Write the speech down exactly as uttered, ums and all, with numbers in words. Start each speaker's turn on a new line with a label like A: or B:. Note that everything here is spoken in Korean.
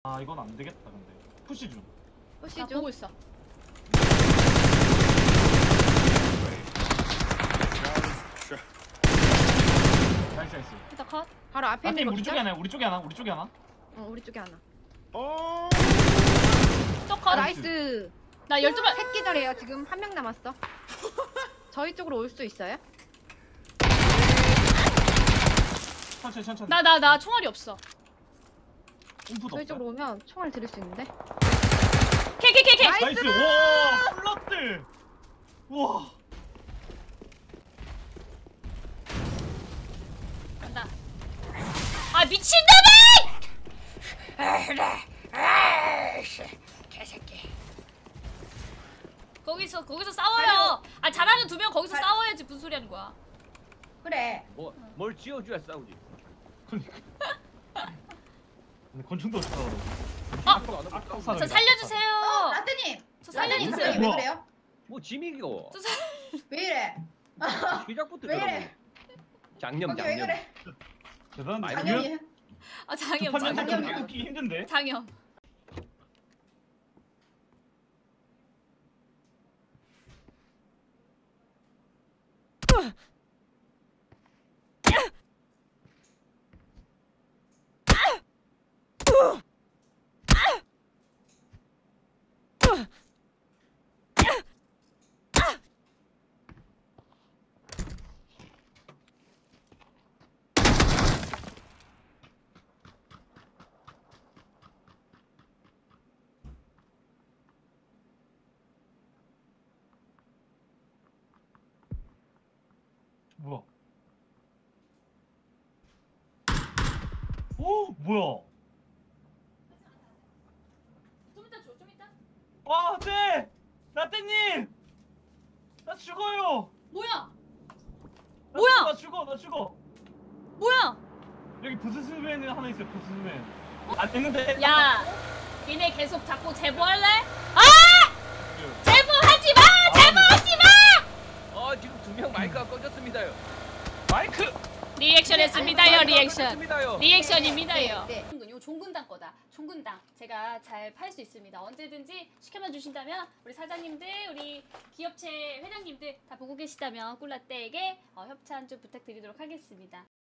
A: 아 이건 안 되겠다 근데. 푸시 중.
B: 푸시
C: 나
B: 중.
C: 보고 있어.
A: 나이스 나이스.
C: 일단 컷.
B: 바로 앞에 있는
A: 아팀
B: 거
A: 우리
B: 기절?
A: 쪽에 하나, 우리 쪽에 하나, 우리 쪽에 하나.
B: 어, 우리 쪽에 하나.
D: 어.
C: 또
B: 아,
C: 컷.
B: 나이스.
C: 나 열두 발.
B: 셋 기절이에요. 지금 한 명 남았어. 저희 쪽으로 올 수 있어요?
A: 천천히 천천히.
C: 나 나 나 총알이 없어.
A: 움프도
B: 저희
A: 없어.
B: 쪽으로 오면 총알 들을 수 있는데.
C: 케케케케.
B: 나이스!
A: 나이스. 와 플러트. 와.
C: 간다. 아 미친놈아! 개새끼. 거기서 거기서 싸워요. 아 잘하는 두 명 거기서 싸워야지. 무슨 소리 하는 거야?
B: 그래.
E: 뭐 뭘 지어줘야 싸우지.
A: 그러니까. 근데 권총도 없어.
C: 아!
A: 아,
C: 저 살려주세요.
F: 어, 라떼님!
C: 저
F: 라떼님
C: 살려주세요.
F: 갑자기 왜 그래요?
E: 뭐 짐이고
C: 저 살.
F: 왜 이래?
E: 시작부터
F: 왜
E: 저러고.
F: 이래?
E: 장염
F: 거기 왜
E: 장염.
F: 그래?
A: 대단한데.
E: 아니,
F: 장염이
C: 아 장염
A: 판정
C: 장염
A: 좀
F: 장염이야.
A: 웃기기 힘든데.
C: 장염.
A: 뭐야? 오 뭐야?
C: 좀 이따 줘, 좀 이따.
A: 와 네. 라떼님. 나 죽어요.
C: 뭐야?
A: 나
C: 뭐야?
A: 죽어, 나 죽어 나 죽어.
C: 뭐야?
A: 여기 부스스맨 하나 있어요. 부스스맨. 안 되는데.
C: 야, 니네 계속 자꾸 제보할래? 아! 제보하지 마! 제보하지 마!
E: 어 지금 두 명 마이크가 꺼졌습니다요.
A: 마이크.
C: 리액션 했습니다요,
E: 마이크가
C: 리액션.
E: 꺼졌습니다요.
C: 리액션입니다요.
B: 네,
C: 이거 종근당 거다. 종근당. 제가 잘 팔 수 있습니다. 언제든지 시켜만 주신다면 우리 사장님들, 우리 기업체 회장님들 다 보고 계시다면 꿀라떼에게 어, 협찬 좀 부탁드리도록 하겠습니다.